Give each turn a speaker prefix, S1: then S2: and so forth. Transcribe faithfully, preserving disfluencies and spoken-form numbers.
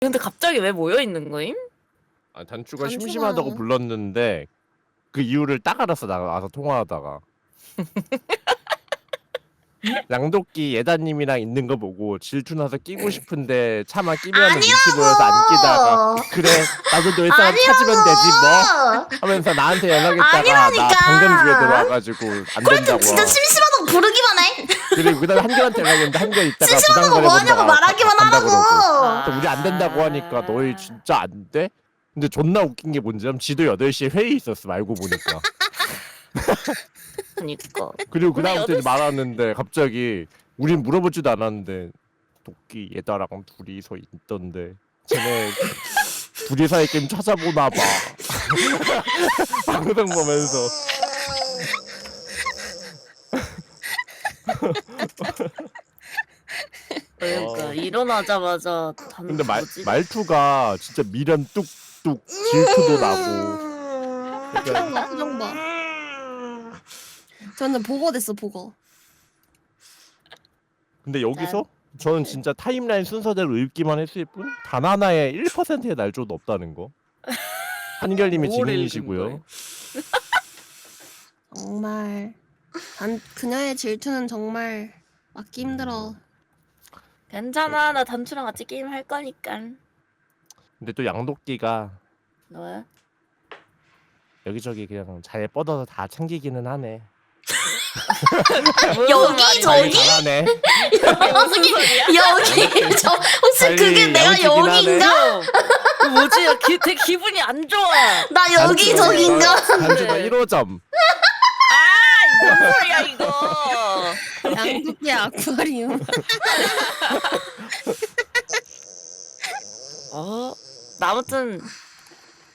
S1: 근데 갑자기 왜 모여 있는 거임?
S2: 아, 단추가
S3: 단추가-
S2: 심심하다고 불렀는데 그 이유를 딱 알았어. 나가서 통화하다가 양도끼 예다님이랑 있는 거 보고 질투나서 끼고 싶은데 차마 끼면 눈치 보여서 안 끼다가 그래 나도 너의 사람 찾으면 되지 뭐 하면서 나한테 연락했다가
S3: 아니라니까.
S2: 나 방금 집에 들어와가지고 안
S3: 그래
S2: 된다고.
S3: 진짜 심심하다고 부르기만 해.
S2: 그리고 그다음에 한결한테 연락했는데 한결 있다가
S3: 심심하다고
S2: 부담
S3: 뭐 하냐고
S2: 가려본다가
S3: 말하기만
S2: 간다
S3: 하라고.
S2: 그러고. 그래서 우리 안 된다고 하니까 너희 진짜 안 돼? 근데 존나 웃긴 게 뭔지면 지도 여덟 시에 회의 있었어 알고 보니까.
S1: 그니까.
S2: 그리고
S1: 근데
S2: 그다음부터
S1: 여덟 시-
S2: 말하는데 갑자기 우린 물어보지도 않았는데 도끼 얘다랑 둘이서 있던데 쟤네 둘이서의 게임 찾아보나 봐. 방송 보면서.
S1: 그러니까
S2: 어.
S1: 일어나자마자 단
S2: 근데 말
S1: 뭐지?
S2: 말투가 진짜 미련 뚝뚝 질투도 나고.
S3: 표정 봐, 표정 봐. 저는 보고 됐어, 보고.
S2: 근데 여기서 저는 진짜 타임라인 순서대로 읽기만 했을 뿐 단 하나의 일 퍼센트의 날조도 없다는 거. 한결님이
S1: 뭘
S2: 증인이시고요.
S1: 읽은
S3: 정말 단 그녀의 질투는 정말 막기 힘들어.
S1: 괜찮아, 나 단추랑 같이 게임 할 거니까.
S2: 근데 또 양도끼가
S1: 너야?
S2: 여기저기 그냥 잘 뻗어서 다 챙기기는 하네.
S3: 여기
S2: 관리
S3: 저기
S2: 잘하네.
S1: 여기
S3: 여기 저 혹시
S2: 빨리
S3: 그게 내가
S2: 야무지긴
S3: 여기인가?
S1: 뭐지? 나 기, 되게 기분이 안 좋아.
S3: 나 여기 저기인가?
S2: 단추가 일 호점.
S1: 아, 뭔 소리야 이거?
S3: 양도끼 아쿠아리움.
S1: 어, 나 아무튼